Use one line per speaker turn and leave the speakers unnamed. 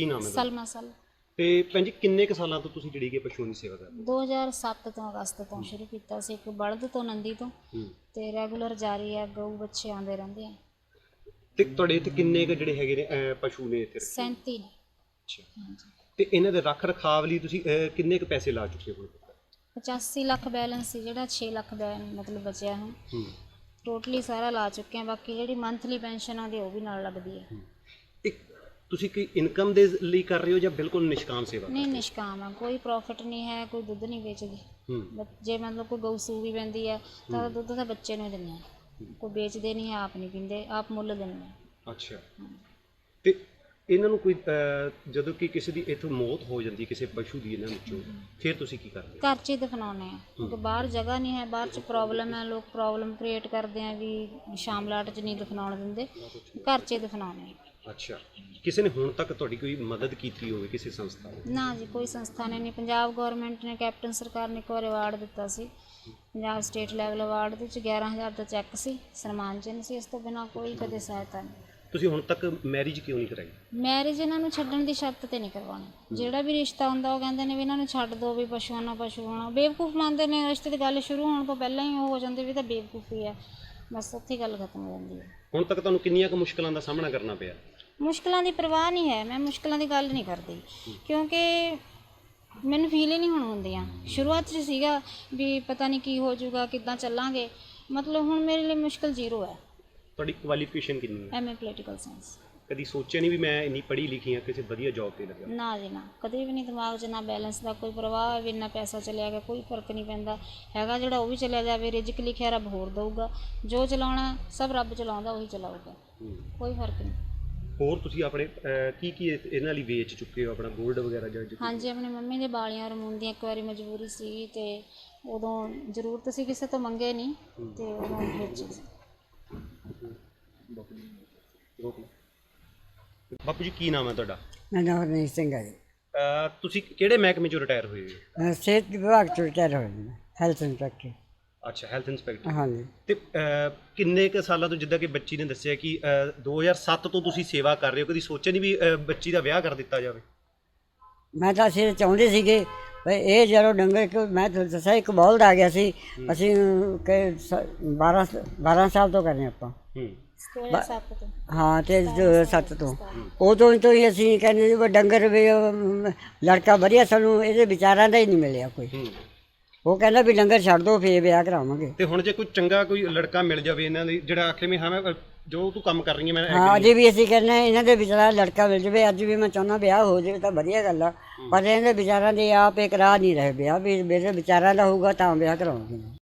ਕੀ ਨਾਮ ਹੈ
ਸਲਮਾ ਸਲ।
ਤੇ ਭੈਣ ਜੀ ਕਿੰਨੇ ਕੁ ਸਾਲਾਂ ਤੋਂ ਤੁਸੀਂ ਜਿਹੜੀ ਕਿ ਪਸ਼ੂਆਂ ਦੀ ਸੇਵਾ ਕਰਦੇ
2007 ਤੋਂ ਅਗਸਤ ਤੋਂ ਸ਼ੁਰੂ ਕੀਤਾ ਸੀ, ਇੱਕ ਬਲਦ ਤੋਂ ਨੰਦੀ ਤੋਂ,
ਹੋ?
ਤੇ ਰੈਗੂਲਰ ਜਾਰੀ ਆ, ਗਊ ਬੱਚੇ ਆਉਂਦੇ ਰਹਿੰਦੇ ਆ।
ਤੇ ਤੁਹਾਡੇ ਇੱਥੇ ਕਿੰਨੇ ਕੁ ਜਿਹੜੇ ਹੈਗੇ ਨੇ ਪਸ਼ੂ ਨੇ ਇੱਥੇ ਰੱਖੇ?
37 ਨੇ।
ਅੱਛਾ।
ਹਾਂਜੀ।
ਤੇ ਇਹਨਾਂ ਦੇ ਰੱਖ ਰਖਾਵ ਲਈ ਤੁਸੀਂ ਕਿੰਨੇ ਕੁ ਪੈਸੇ ਲਾ ਚੁੱਕੇ ਹੋ?
85 ਲੱਖ ਬੈਲੈਂਸ ਸੀ, ਜਿਹੜਾ 6 ਲੱਖ ਮਤਲਬ ਬਚਿਆ ਹੁਣ
ਹੂੰ।
ਟੋਟਲੀ ਸਾਰਾ ਲਾ ਚੁੱਕੇ ਆ। ਬਾਕੀ ਜਿਹੜੀ ਮੰਥਲੀ ਪੈਨਸ਼ਨ ਆਉਂਦੀ ਉਹ ਵੀ ਨਾਲ ਲੱਗਦੀ ਹੈ।
ਇੱਕ ਤੁਸੀਂ ਕੀ ਇਨਕਮ ਦੇ ਲਈ ਕਰ ਰਹੇ ਹੋ ਜਾਂ ਬਿਲਕੁਲ ਨਿਸ਼ਕਾਮ ਸੇਵਾ?
ਨਹੀਂ, ਨਿਸ਼ਕਾਮ ਆ, ਕੋਈ ਪ੍ਰੋਫਿਟ ਨਹੀਂ ਹੈ, ਕੋਈ ਦੁੱਧ ਨਹੀਂ ਵੇਚਦੀ। ਜੇ ਮਤਲਬ ਕੋਈ ਗਊ ਸੂ ਵੀ ਪੈਂਦੀ ਹੈ ਤਾਂ ਦੁੱਧ ਤਾਂ ਬੱਚੇ ਨੂੰ ਹੀ ਦਿੰਦੇ ਆ, ਕੋਈ ਵੇਚਦੇ ਨਹੀਂ, ਆਪ ਨਹੀਂ ਪੀਂਦੇ, ਆਪ ਮੁੱਲ ਦਿੰਦੇ ਆ।
ਅੱਛਾ। ਤੇ ਇਹਨਾਂ ਨੂੰ ਕੋਈ ਜਦੋਂ ਕਿ ਕਿਸੇ ਦੀ ਇੱਥੋਂ ਮੌਤ ਹੋ ਜਾਂਦੀ ਕਿਸੇ ਪਸ਼ੂ ਦੀ ਇਹਨਾਂ ਵਿੱਚੋਂ, ਫਿਰ ਤੁਸੀਂ ਕੀ ਕਰਦੇ ਹੋ?
ਘਰ 'ਚ ਹੀ ਦਫਨਾਉਂਦੇ ਆ, ਕਿਉਂਕਿ ਬਾਹਰ ਜਗ੍ਹਾ ਨਹੀਂ ਹੈ, ਬਾਹਰ 'ਚ ਪ੍ਰੋਬਲਮ ਹੈ, ਲੋਕ ਪ੍ਰੋਬਲਮ ਕ੍ਰੀਏਟ ਕਰਦੇ ਆ ਵੀ ਸ਼ਾਮਲਾਟ 'ਚ ਨਹੀਂ ਦਫਨਾਉਣ ਦਿੰਦੇ, ਘਰ 'ਚ ਹੀ ਦਫਨਾਉਂਦੇ ਆ।
ਅੱਛਾ। ਕਿਸੇ ਨੇ ਹੁਣ ਤੱਕ ਤੁਹਾਡੀ ਕੋਈ ਮਦਦ ਕੀਤੀ ਹੋਵੇ ਕਿਸੇ ਸੰਸਥਾ ਨੇ?
ਨਾ ਜੀ, ਕੋਈ ਸੰਸਥਾ ਨੇ ਨਹੀਂ। ਪੰਜਾਬ ਗੌਰਮੈਂਟ ਨੇ, ਕੈਪਟਨ ਸਰਕਾਰ ਨੇ ਇੱਕ ਵਾਰ ਅਵਾਰਡ ਦਿੱਤਾ ਸੀ, ਪੰਜਾਬ ਸਟੇਟ ਲੈਵਲ ਅਵਾਰਡ ਦੇ ਵਿੱਚ 11,000 ਦਾ ਚੈੱਕ ਸੀ, ਸਨਮਾਨ ਚਿੰਨ੍ਹ ਸੀ, ਇਸ ਤੋਂ ਬਿਨਾਂ ਕੋਈ ਕਦੇ ਸਹਾਇਤਾ ਨਹੀਂ।
ਤੁਸੀਂ ਹੁਣ ਤੱਕ ਮੈਰਿਜ ਕਿਉਂ ਨਹੀਂ ਕਰਾਈ?
ਮੈਰਿਜ ਇਹਨਾਂ ਨੂੰ ਛੱਡਣ ਦੀ ਸ਼ਰਤ ਤੇ ਨਹੀਂ ਕਰਵਾਉਣੀ। ਜਿਹੜਾ ਵੀ ਰਿਸ਼ਤਾ ਹੁੰਦਾ ਉਹ ਕਹਿੰਦੇ ਨੇ ਵੀ ਇਹਨਾਂ ਨੂੰ ਛੱਡ ਦਿਓ, ਵੀ ਪਸ਼ੂਆਂ ਨਾਲ ਪਸ਼ੂ ਹੋਣਾ। ਬੇਵਕੂਫ ਮੰਨਦੇ ਨੇ, ਰਿਸ਼ਤੇ ਦੀ ਗੱਲ ਸ਼ੁਰੂ ਹੋਣ ਤੋਂ ਪਹਿਲਾਂ ਹੀ ਉਹ ਹੋ ਜਾਂਦੇ ਵੀ ਤਾਂ ਬੇਵਕੂਫੀ ਹੈ, ਬਸ ਉੱਥੇ ਗੱਲ ਖਤਮ ਹੋ ਜਾਂਦੀ ਹੈ।
ਹੁਣ ਤੱਕ ਤੁਹਾਨੂੰ ਕਿੰਨੀਆਂ ਕੁ ਮੁਸ਼ਕਲਾਂ ਦਾ ਸਾਹਮਣਾ ਕਰਨਾ ਪਿਆ?
ਮੁਸ਼ਕਲਾਂ ਦੀ ਪਰਵਾਹ ਨਹੀਂ ਹੈ, ਮੈਂ ਮੁਸ਼ਕਲਾਂ ਦੀ ਗੱਲ ਨਹੀਂ ਕਰਦੀ, ਕਿਉਂਕਿ ਮੈਨੂੰ ਫੀਲ ਹੀ ਨਹੀਂ ਹੁਣ ਹੁੰਦੀਆਂ। ਸ਼ੁਰੂਆਤ 'ਚ ਸੀਗਾ ਵੀ ਪਤਾ ਨਹੀਂ ਕੀ ਹੋ ਜਾਊਗਾ, ਕਿੱਦਾਂ ਚੱਲਾਂਗੇ, ਮਤਲਬ ਹੁਣ ਮੇਰੇ ਲਈ ਮੁਸ਼ਕਲ ਜ਼ੀਰੋ ਹੈ।
ਤੁਹਾਡੀ ਕੁਆਲੀਫਿਕੇਸ਼ਨ ਕਿੰਨੀ ਹੈ?
MA political science.
ਕਦੀ ਸੋਚਿਆ ਨਹੀਂ ਵੀ ਮੈਂ ਇੰਨੀ ਪੜ੍ਹੀ ਲਿਖੀ ਹਾਂ, ਕਿਸੇ ਵਧੀਆ ਜੌਬ ਤੇ ਲੱਗਾ?
ਨਾ ਜੀ ਨਾ, ਕਦੇ ਵੀ ਨਹੀਂ। ਦਿਮਾਗ 'ਚ ਨਾ ਬੈਲੈਂਸ ਦਾ ਕੋਈ ਪ੍ਰਵਾਹ, ਵੀ ਇੰਨਾ ਪੈਸਾ ਚਲਿਆ ਗਿਆ, ਕੋਈ ਫਰਕ ਨਹੀਂ ਪੈਂਦਾ ਹੈਗਾ। ਜਿਹੜਾ ਉਹ ਵੀ ਚਲਿਆ ਜਾਵੇ, ਰਿਜ਼ਕ ਲਿਖਿਆ ਰੱਬ ਹੋਰ ਦਊਗਾ, ਜੋ ਚਲਾਉਣਾ ਸਭ ਰੱਬ ਚਲਾਉਂਦਾ, ਉਹੀ ਚਲਾਊਗਾ, ਕੋਈ ਫਰਕ ਨਹੀਂ।
ਹੋਰ ਤੁਸੀਂ ਆਪਣੇ ਕੀ ਇਹਨਾਂ ਲਈ ਵੇਚ ਚੁੱਕੇ ਹੋ? ਆਪਣਾ ਗੋਲਡ ਵਗੈਰਾ ਜਾਂ
ਹਾਂਜੀ, ਆਪਣੀ ਮੰਮੀ ਦੇ ਬਾਲੀਆਂ ਰਮੂਨ ਦੀਆਂ ਇੱਕ ਵਾਰੀ ਮਜਬੂਰੀ ਸੀ, ਤੇ ਉਦੋਂ ਜ਼ਰੂਰਤ ਸੀ, ਕਿਸੇ ਤੋਂ ਮੰਗੇ ਨਹੀਂ, ਤੇ ਉਦੋਂ ਵੇਚੀ ਸੀ।
ਬਾਪੂ ਜੀ ਕੀ ਨਾਮ ਹੈ ਤੁਹਾਡਾ?
ਮੇਰਾ ਨਾਮ ਹਰਨੀਤ ਸਿੰਘ ਹੈ ਜੀ।
ਤੁਸੀਂ ਕਿਹੜੇ ਮਹਿਕਮੇ 'ਚੋਂ ਰਿਟਾਇਰ ਹੋਏ ਹੋ?
ਮੈਂ ਸਿਹਤ ਵਿਭਾਗ ਤੋਂ ਰਿਟਾਇਰ ਹੋਇਆ ਜੀ, ਹੈਲਥ ਇੰਸਪੈਕਟਰ।
ਅੱਛਾ, ਹੈਲਥ ਇੰਸਪੈਕਟਰ।
ਹਾਂਜੀ।
ਤੇ ਕਿੰਨੇ ਕੁ ਸਾਲਾਂ ਤੋਂ, ਜਿੱਦਾਂ ਕਿ ਬੱਚੀ ਨੇ ਦੱਸਿਆ ਕਿ 2007 ਤੋਂ ਤੁਸੀਂ ਸੇਵਾ ਕਰ ਰਹੇ ਹੋ, ਕਦੀ ਸੋਚਿਆ ਨਹੀਂ ਵੀ ਬੱਚੀ ਦਾ ਵਿਆਹ ਕਰ ਦਿੱਤਾ ਜਾਵੇ?
ਮੈਂ ਤਾਂ ਅਸੀਂ ਚਾਹੁੰਦੇ ਸੀਗੇ ਵੀ ਇਹ ਜਦੋਂ ਡੰਗਰ, ਮੈਂ ਤੁਹਾਨੂੰ ਦੱਸਿਆ ਇੱਕ ਬਲਦ ਆ ਗਿਆ ਸੀ, ਅਸੀਂ 12 ਸਾਲ ਤੋਂ ਕਰ ਰਹੇ ਆਪਾਂ।
2007 ਤੋਂ।
ਹਾਂ, ਤੇ 7 ਤੋਂ ਉਦੋਂ ਹੀ ਅਸੀਂ ਕਹਿੰਦੇ ਜੀ ਵੀ ਡੰਗਰ ਵੀ ਲੜਕਾ ਵਧੀਆ, ਸਾਨੂੰ ਇਹਦੇ ਵਿਚਾਰਾਂ ਦਾ ਹੀ ਨਹੀਂ ਮਿਲਿਆ ਕੋਈ। ਉਹ ਕਹਿੰਦਾ ਵੀ ਡੰਗਰ ਛੱਡ ਦੋ, ਫੇਰ ਵਿਆਹ ਕਰਾਵਾਂਗੇ।
ਤੇ ਹੁਣ ਜੇ ਕੋਈ ਚੰਗਾ ਕੋਈ ਲੜਕਾ ਮਿਲ ਜਾਵੇ ਇਹਨਾਂ ਲਈ, ਜਿਹੜਾ ਆਖੇ ਵੀ ਹਾਂ ਮੈਂ ਜੋ ਤੂੰ ਕੰਮ ਕਰ ਰਹੀ ਹੈ ਮੈਂ
ਹਾਂ, ਅਜੇ ਵੀ ਅਸੀਂ ਕਹਿੰਦੇ ਇਹਨਾਂ ਦੇ ਵਿਚਾਰਾ ਲੜਕਾ ਮਿਲ ਜਾਵੇ। ਅੱਜ ਵੀ ਮੈਂ ਚਾਹੁੰਦਾ ਵਿਆਹ ਹੋ ਜਾਵੇ ਤਾਂ ਵਧੀਆ ਗੱਲ ਆ, ਪਰ ਇਹਨਾਂ ਦੇ ਵਿਚਾਰਾਂ ਦੇ ਆਪ ਇੱਕ ਰਾਹ ਨਹੀਂ ਰਹੇ ਵਿਆਹ, ਵੀ ਮੇਰੇ ਵਿਚਾਰਾਂ ਦਾ ਹੋਊਗਾ ਤਾਂ ਵਿਆਹ ਕਰਾਉਂਗੇ।